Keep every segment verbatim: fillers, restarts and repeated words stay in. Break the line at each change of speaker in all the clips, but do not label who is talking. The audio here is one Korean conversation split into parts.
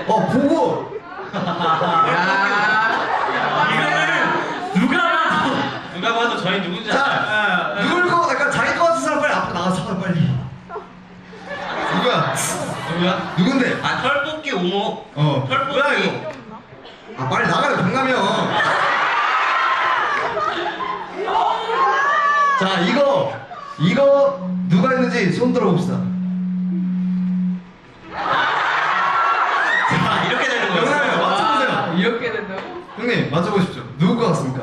어 보고.
야.
이거는 누가 봐도
누가 봐도 저희 누군지
자,
알아요.
누굴 거, 약간 자기 거 같은 사람 빨리 앞으로 나가서 빨리. 누구야?
누구야?
누군데?
아 털뽑기 오목.
어.
털뽑기.
뭐야 이거? 아 빨리 나가요 경남이 형. 자 이거 이거 누가 했는지 손 들어봅시다.
자 이렇게 되는 거예요.
경남이 형 맞춰보세요.
이렇게 된다고?
형님 맞춰보십시오. 누구 거 같습니까?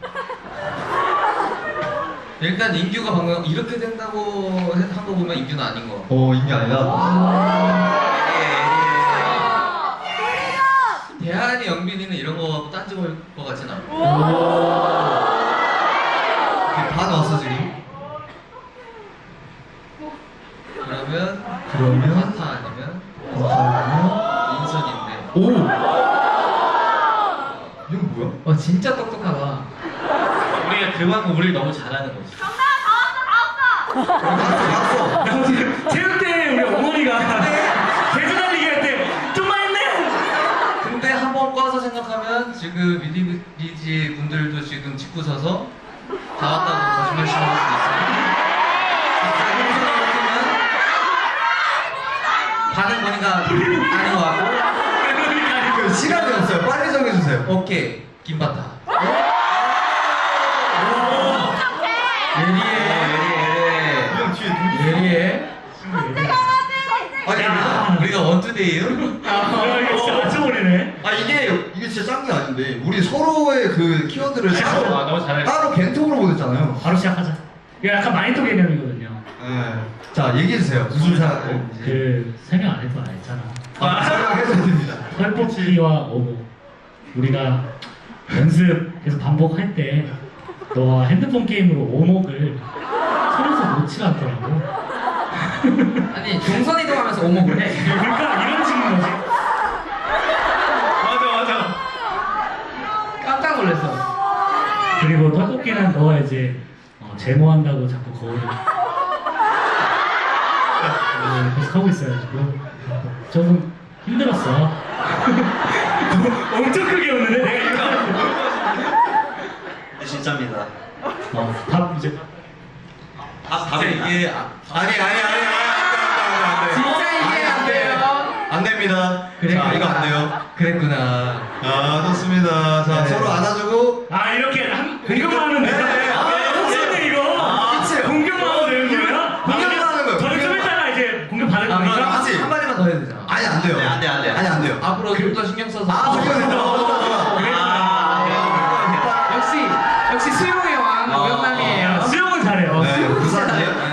일단 인규가 방금 이렇게 된다고 한 거 보면 인규는 아닌 거.
어 이게 아니라.
대한이 영빈이는 이런 거 갖고 딴지 걸 거 같진 않아.
이렇게 다 나왔어 지금.
그러면
그러면
파타 아니면
어,
인선인데.
오. 이건 뭐야?
어 진짜 똑똑하다.
우리가 그만큼 우리를 너무 잘하는 거지.
갔어 갔어.
나 오늘 체육대회 우리 어머니가 개주달리기 할 때 좀만 했네.
근데 한 번 꽈서 생각하면 지금 미디미지 분들도 지금 짚고 서서 다 왔다고 거짓말 치는 수도 있어요. 반응 보니까 아닌 것 같고.
그 시간이 없어요. 빨리 정해주세요.
오케이 김바타. 예리해
형 뒤에 누구?
예리해 예리해.
아니
야.
우리가 원투데이요?
야 이거 진짜 맞춰버리네.
아 이게 이게 진짜 짠 게 아닌데 우리 서로의 그 키워드를 따로
아, 너무 잘했어.
따로 겐톡으로 보냈잖아요.
바로 시작하자. 이거 약간 마인드 개념이거든요.
네. 자 얘기해 주세요. 무슨 사람인지.
그 설명 안 해도 알잖아.
아, 설명해줘야 됩니다.
털뽑기와 오목. 우리가 연습 계속 반복할 때 너와 핸드폰 게임으로 오목을 서로서 놓지 않더라고.
아니 동선 이동하면서 오목을 해.
그러니까 이런 식인 거지.
맞아 맞아.
깜짝 놀랐어.
그리고 털뽑기는 너가 이제 어, 제모한다고 자꾸 거울을 어, 계속 하고 있어가지고 조금 힘들었어. 엄청 크게 웃는데 내가 이거
네, 진짜입니다.
어, 밥 이제
아
진짜
답이
이게 아,
아니 아니 아니 아니 안돼
진짜 이게 안 돼요.
안 됩니다.
그래,
자 이거 안 돼요.
그랬구나.
아 좋습니다. 자
네.
서로 안아주고.
아 이렇게 한 공격만 하면 돼.
네, 네.
아, 무슨 이거?
아, 끝이에요.
공격만 하면 되는 거야?
공격만 하는 거예요.
저는 좀 했다가 이제 공격 받을
아,
거니까.
그럼
하지.
한 마디만 더 해야 되잖아.
아니 안 돼요.
네, 안 돼, 안 돼.
아니 안 돼요.
앞으로 좀 더 신경 써서.
아 이거 된다.
역시 역시 수용의 왕
아,
오영남이에요.
수영은 잘해요.
네, 부산이에요?